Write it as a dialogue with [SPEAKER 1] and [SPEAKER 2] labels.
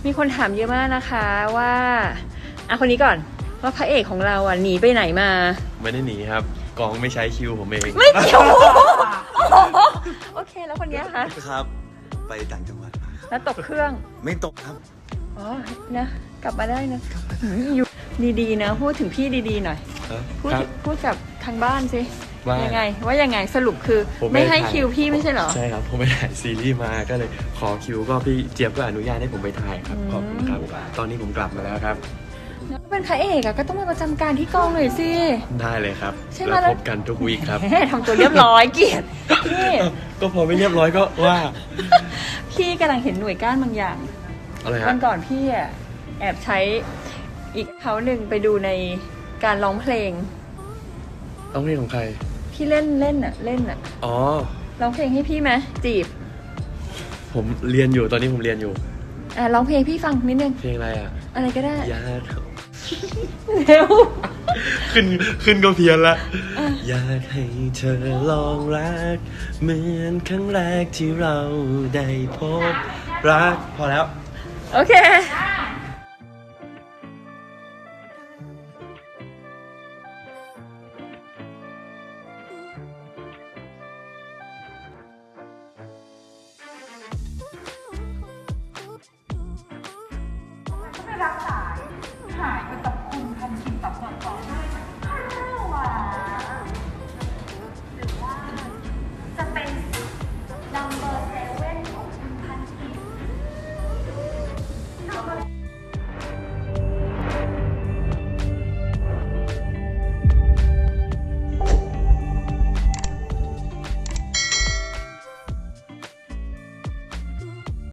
[SPEAKER 1] มีคนถามเยอะมากนะคะว่าคนนี้ก่อนว่าพระเอกของเราหนีไปไหนมา
[SPEAKER 2] ไม่ได้หนีครับกองไม่ใช้คิวผมเอง
[SPEAKER 1] ไม่เกี่ยวโอเคแล้วคนนี้คะ
[SPEAKER 3] ครับ ไปต่างจังหวัดมา
[SPEAKER 1] แล้วตกเครื่อง
[SPEAKER 3] ไม่ตกครับ
[SPEAKER 1] นะกลับมาได้นะอยู่ดีๆนะพูดถึงพี่ดีๆหน่อยพูดกับทางบ้านสิยังไงสรุปคือไม่ให้คิวพี่ไม่ใช่เหรอ
[SPEAKER 2] ใช่ครับผมไปถ่ายซีรีส์มาก็เลยขอคิวก็พี่เจี๊ยบก็อนุญาตให้ผมไปถ่ายครับขอบคุณครับตอนนี้ผมกลับมาแล้วครับ
[SPEAKER 1] เป็นพระเอกก็ต้องมาประจำการที่กองหน่อยสิ
[SPEAKER 2] ได้เลยครับแล้วพบกันทุกวีคครับ
[SPEAKER 1] ทำตัวเรียบร้อยเกียรติพี่
[SPEAKER 2] ก็พอไม่เรียบร้อยก็ว่า
[SPEAKER 1] พี่กำลังเห็นหน่วยก้านบางอย่าง
[SPEAKER 2] อะไรครับ
[SPEAKER 1] วันก่อนพี่แอบใช้อีกเขาหนึ่งไปดูในการร้องเพลง
[SPEAKER 2] ของใคร
[SPEAKER 1] พี่เล่น
[SPEAKER 2] อ๋อ
[SPEAKER 1] ร้องเพลงให้พี่ไหมจีบ
[SPEAKER 2] ผมเรียนอยู่ตอนนี้ผมเรียนอยู่
[SPEAKER 1] ร้องเพลงพี่ฟังนิดนึง
[SPEAKER 2] เพลงอะไร
[SPEAKER 1] อะไรก็ได้
[SPEAKER 2] อยากเร็วขึ้นก็เพี้ยนละอยากให้เธอลองรักเหมือนครั้งแรกที่เราได้พบรักพอแล้ว
[SPEAKER 1] โอเค
[SPEAKER 4] ไม่รับสายหายไปกับคุณทันทีกับก่อน